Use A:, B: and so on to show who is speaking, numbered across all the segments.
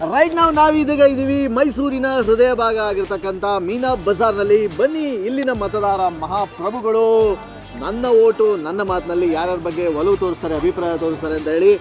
A: Right ನಾವೀಗ ಇದ್ದೀವಿ ಮೈಸೂರಿನ ಹೃದಯ ಭಾಗ ಆಗಿರ್ತಕ್ಕಂಥ ಮೀನಾ ಬಜಾರ್ನಲ್ಲಿ. ಬನ್ನಿ, ಇಲ್ಲಿನ ಮತದಾರ ಮಹಾಪ್ರಭುಗಳು ನನ್ನ ಓಟು ನನ್ನ ಮಾತಿನಲ್ಲಿ ಯಾರ್ಯಾರ ಬಗ್ಗೆ ಒಲವು ತೋರಿಸ್ತಾರೆ, ಅಭಿಪ್ರಾಯ ತೋರಿಸ್ತಾರೆ ಅಂತ ಹೇಳಿ.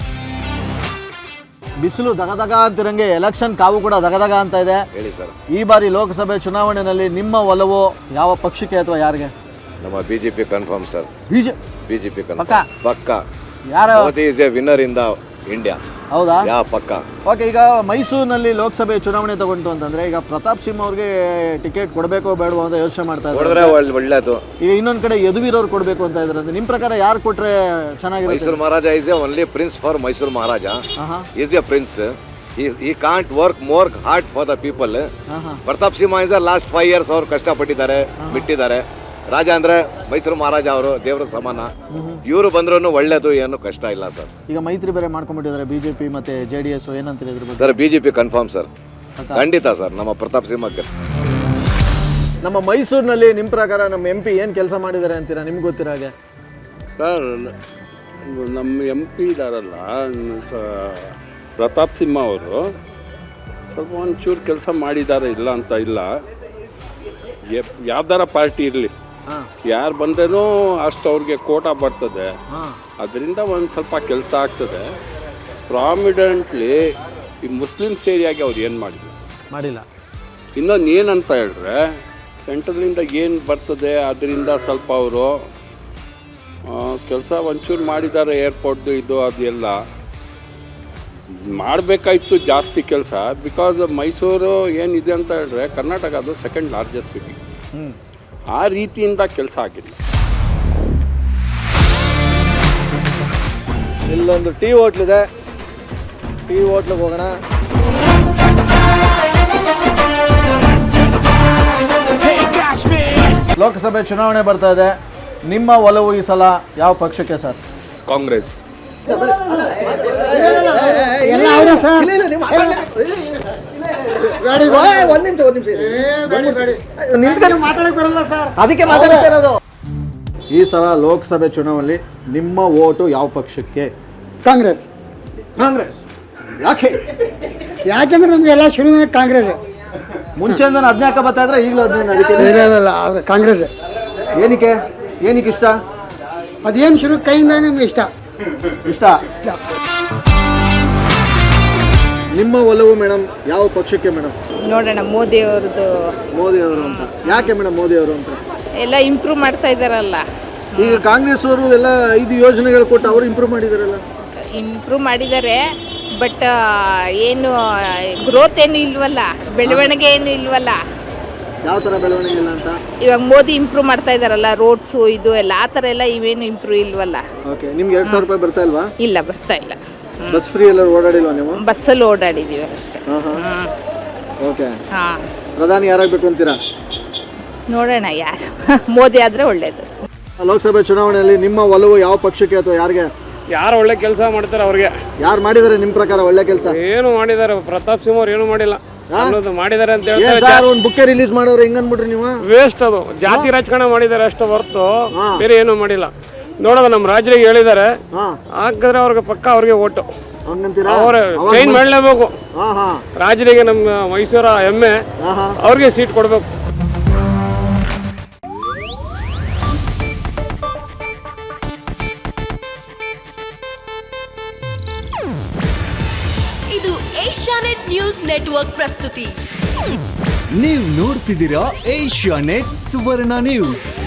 A: ಬಿಸಿಲು ದಗದಗ ಅಂತಿರಂಗೆ ಎಲೆಕ್ಷನ್ ಕಾವು ಕೂಡ ದಗದಗ ಅಂತ ಇದೆ.
B: ಹೇಳಿ ಸರ್,
A: ಈ ಬಾರಿ ಲೋಕಸಭೆ ಚುನಾವಣೆಯಲ್ಲಿ ನಿಮ್ಮ ಒಲವು ಯಾವ ಪಕ್ಷಕ್ಕೆ ಅಥವಾ ಯಾರಿಗೆ?
B: ನಮ್ಮ ಬಿಜೆಪಿ ಕನ್ಫರ್ಮ್ ಸರ್. ಬಿಜೆಪಿ ಪಕ್ಕ.
A: ಯಾರು?
B: Modi is a winner in the India.
A: ಹೌದಾ?
B: ಪಕ್ಕ.
A: ಓಕೆ, ಈಗ ಮೈಸೂರಿನಲ್ಲಿ ಲೋಕಸಭೆ ಚುನಾವಣೆ ತಗೊಂಡು ಅಂತಂದ್ರೆ ಈಗ ಪ್ರತಾಪ್ ಸಿಂಹ ಅವ್ರಿಗೆ ಟಿಕೆಟ್ ಕೊಡಬೇಕೋ ಬೇಡವೋ ಅಂತ ಯೋಚನೆ ಮಾಡ್ತಾ ಇದ್ದಾರೆ.
B: ಒಳ್ಳೇದು.
A: ಈಗ ಇನ್ನೊಂದ್ ಕಡೆ ಯದುವೀರವ್ರು ಕೊಡಬೇಕು ಅಂತ ಇದ್ದಾರೆ. ನಿಮ್ ಪ್ರಕಾರ ಯಾರು ಕೊಟ್ರೆ ಚೆನ್ನಾಗಿರುತ್ತೆ?
B: Mysore Maharaja is a only prince for Mysore Maharaja. Is a prince. He can't work more hard for the people. Pratap Simha is last 5 years ಅವ್ರು ಕಷ್ಟಪಟ್ಟಿದ್ದಾರೆ, ಬಿಟ್ಟಿದ್ದಾರೆ. ರಾಜ ಅಂದ್ರೆ ಮೈಸೂರು ಮಹಾರಾಜ, ಅವರು ದೇವರ ಸಮಾನ. ಇವರು ಬಂದ್ರು ಒಳ್ಳೇದು, ಏನು ಕಷ್ಟ ಇಲ್ಲ ಸರ್.
A: ಈಗ ಮೈತ್ರಿ ಬೇರೆ ಮಾಡ್ಕೊಂಡ್ಬಿಟ್ಟಿದ್ದಾರೆ ಬಿಜೆಪಿ ಮತ್ತೆ JDS. ಏನಂತೀರಿ ಇದ್ರ ಬಗ್ಗೆ?
B: ಸರ್ ಬಿಜೆಪಿ ಕನ್ಫರ್ಮ್ ಸರ್, ಖಂಡಿತ ಸರ್. ನಮ್ಮ ಪ್ರತಾಪ್ ಸಿಂಹಕ್ಕೆ.
A: ನಮ್ಮ ಮೈಸೂರಿನಲ್ಲಿ ನಿಮ್ಮ ಪ್ರಕಾರ ನಮ್ಮ MP ಏನು ಕೆಲಸ ಮಾಡಿದ್ದಾರೆ ಅಂತೀರಾ? ನಿಮ್ಗೆ ಗೊತ್ತಿರೋ ಹಾಗೆ
C: ಸರ್, ನಮ್ಮ MP ಇದಾರಲ್ಲ ಪ್ರತಾಪ್ ಸಿಂಹ ಅವರು ಸ್ವಲ್ಪ ಒಂಚೂರು ಕೆಲಸ ಮಾಡಿದ್ದಾರೆ, ಇಲ್ಲ ಅಂತ ಇಲ್ಲ. ಯಾವ್ದಾರ ಪಾರ್ಟಿ ಇರಲಿ, ಯಾರು ಬಂದ್ರೂ ಅಷ್ಟು ಅವ್ರಿಗೆ ಕೋಟಾ ಬರ್ತದೆ. ಅದರಿಂದ ಒಂದು ಸ್ವಲ್ಪ ಕೆಲಸ ಆಗ್ತದೆ. ಪ್ರಾಮಿಡೆಂಟ್ಲಿ ಈ ಮುಸ್ಲಿಮ್ಸ್ ಏರಿಯಾಗೆ ಅವ್ರು ಏನು ಮಾಡಿಲ್ಲ. ಇನ್ನೊಂದು ಏನಂತ ಹೇಳಿದ್ರೆ, ಸೆಂಟ್ರಲಿಂದ ಏನು ಬರ್ತದೆ ಅದರಿಂದ ಸ್ವಲ್ಪ ಅವರು ಕೆಲಸ ಒಂಚೂರು ಮಾಡಿದ್ದಾರೆ. ಏರ್ಪೋರ್ಟ್ದು ಇದು ಅದು ಎಲ್ಲ ಮಾಡಬೇಕಾಯ್ತು ಜಾಸ್ತಿ ಕೆಲಸ. ಬಿಕಾಸ್ ಮೈಸೂರು ಏನಿದೆ ಅಂತ ಹೇಳಿದ್ರೆ ಕರ್ನಾಟಕ ಅದು ಸೆಕೆಂಡ್ ಲಾರ್ಜೆಸ್ಟ್ ಸಿಟಿ. ಆ ರೀತಿಯಿಂದ ಕೆಲಸ ಆಗಿಲ್ಲ.
A: ಇಲ್ಲೊಂದು ಟೀ ಹೋಟ್ಲಿದೆ, ಟೀ ಹೋಟ್ಲಿಗೆ ಹೋಗೋಣ. ಲೋಕಸಭೆ ಚುನಾವಣೆ ಬರ್ತಾ ಇದೆ. ನಿಮ್ಮ ಒಲವು ಈ ಸಲ ಯಾವ ಪಕ್ಷಕ್ಕೆ ಸರ್?
C: ಕಾಂಗ್ರೆಸ್.
A: ಅದಕ್ಕೆ ಮಾತಾಡ್ತಾ ಇರೋದು. ಈ ಸಲ ಲೋಕಸಭೆ ಚುನಾವಣೆಯಲ್ಲಿ ನಿಮ್ಮ ಓಟು ಯಾವ ಪಕ್ಷಕ್ಕೆ?
D: ಕಾಂಗ್ರೆಸ್. ಯಾಕೆಂದ್ರೆ ನಮ್ಗೆ ಎಲ್ಲ ಶುರು ಕಾಂಗ್ರೆಸ್.
A: ಮುಂಚೆಯಿಂದ 14 ಬರ್ತಾ ಇದ್ರೆ ಈಗಲೂ 15. ಅದಕ್ಕೆ
D: ಕಾಂಗ್ರೆಸ್.
A: ಏನಕ್ಕೆ ಇಷ್ಟ?
D: ಅದೇನು ಶುರು ಕೈಯಿಂದ ನಿಮ್ಗೆ ಇಷ್ಟ.
A: ನಿಮ್ಮ ಒಲವು ಮೇಡಮ್ ಯಾವ ಪಕ್ಷಕ್ಕೆ ಮೇಡಮ್?
E: ನೋಡೋಣ, ಮೋದಿ ಅವರು
A: ಅಂತ. ಯಾಕೆ ಮೇಡಮ್ ಮೋದಿ ಅವರು ಅಂತ?
E: ಎಲ್ಲ ಇಂಪ್ರೂವ್ ಮಾಡ್ತಾ ಇದ್ದಾರಲ್ಲ.
A: ಈಗ ಕಾಂಗ್ರೆಸ್ ಅವರು ಎಲ್ಲ 5 ಯೋಜನೆಗಳು ಕೊಟ್ಟು ಅವರು ಇಂಪ್ರೂವ್ ಮಾಡಿದಾರೆ.
E: ಬಟ್ ಏನು ಗ್ರೋತ್ ಏನು ಇಲ್ವಲ್ಲ, ಬೆಳವಣಿಗೆ ಏನು ಇಲ್ವಲ್ಲ.
A: ಯಾವ ಥರ ಬೆಳವಣಿಗೆ ಇಲ್ಲ ಅಂತ?
E: ಇವಾಗ ಮೋದಿ ಇಂಪ್ರೂವ್ ಮಾಡ್ತಾ ಇದ್ದಾರಲ್ಲ, ರೋಡ್ಸು ಇದು ಎಲ್ಲ, ಆ ಥರ ಎಲ್ಲ ಇವೇನು ಇಂಪ್ರೂವ್ ಇಲ್ವಲ್ಲ.
A: ಓಕೆ, ನಿಮ್ಗೆ 2,000 ರೂಪಾಯಿ ಬರ್ತಾ ಇಲ್ವಾ?
E: ಇಲ್ಲ, ಬರ್ತಾ ಇಲ್ಲ.
A: ಬಸ್ ಫ್ರೀ ಎಲ್ಲ ಓಡಾಡಿಲ್ವಾ ನೀವು?
E: ಬಸ್ಸಲ್ಲಿ ಓಡಾಡಿದ್ದೀವಿ ಅಷ್ಟೇ.
A: ಓಕೆ, ಪ್ರಧಾನಿ ಯಾರಾಗಬೇಕು ಅಂತೀರಾ?
E: ನೋಡೋಣ, ಯಾರು ಮೋದಿ ಆದರೆ ಒಳ್ಳೇದು.
A: ಲೋಕಸಭೆ ಚುನಾವಣೆಯಲ್ಲಿ ನಿಮ್ಮ ಒಲವು ಯಾವ ಪಕ್ಷಕ್ಕೆ ಅಥವಾ ಯಾರಿಗೆ?
F: ಯಾರು ಒಳ್ಳೆ ಕೆಲಸ ಮಾಡ್ತಾರೆ ಅವ್ರಿಗೆ.
A: ಯಾರು ಮಾಡಿದ್ದಾರೆ ನಿಮ್ಮ ಪ್ರಕಾರ ಒಳ್ಳೆ ಕೆಲಸ?
F: ಏನು ಮಾಡಿದ್ದಾರೆ? ಪ್ರತಾಪ್ ಸಿಂಹ ಅವ್ರು ಏನು ಮಾಡಿಲ್ಲ. ಮಾಡಿದ್ದಾರೆ ಅಂತ ಹೇಳ್ತಾರೆ.
A: ಒಂದು ಬುಕ್ಕೆ ರಿಲೀಸ್ ಮಾಡೋರು ಹೆಂಗ್ ಅನ್ಬಿಟ್ರಿ ನೀವು?
F: ವೇಸ್ಟ್ ಅದು. ಜಾತಿ ರಾಜಕಾರಣ ಮಾಡಿದ್ದಾರೆ ಅಷ್ಟು ಹೊರತು ಬೇರೆ ಏನು ಮಾಡಿಲ್ಲ. ನೋಡೋದು ನಮ್ಮ ರಾಜ್ಯರಿಗೆ ಹೇಳಿದ್ದಾರೆ, ಹಾಕಿದ್ರೆ ಅವ್ರಿಗೆ ಪಕ್ಕ ಅವ್ರಿಗೆ ಓಟು. ಅವ್ರ ಚೇಂಜ್ ಮಾಡಲೇಬೇಕು. ರಾಜ್ಯರಿಗೆ ನಮ್ಮ ಮೈಸೂರ ಹೆಮ್ಮೆ, ಅವ್ರಿಗೆ ಸೀಟ್ ಕೊಡ್ಬೇಕು.
G: ಇದು ಏಷ್ಯಾನೆಟ್ ನ್ಯೂಸ್ ನೆಟ್ವರ್ಕ್ ಪ್ರಸ್ತುತಿ.
H: ನೀವು ನೋಡ್ತಿದ್ದೀರಾ ಏಷ್ಯಾನೆಟ್ ಸುವರ್ಣ ನ್ಯೂಸ್.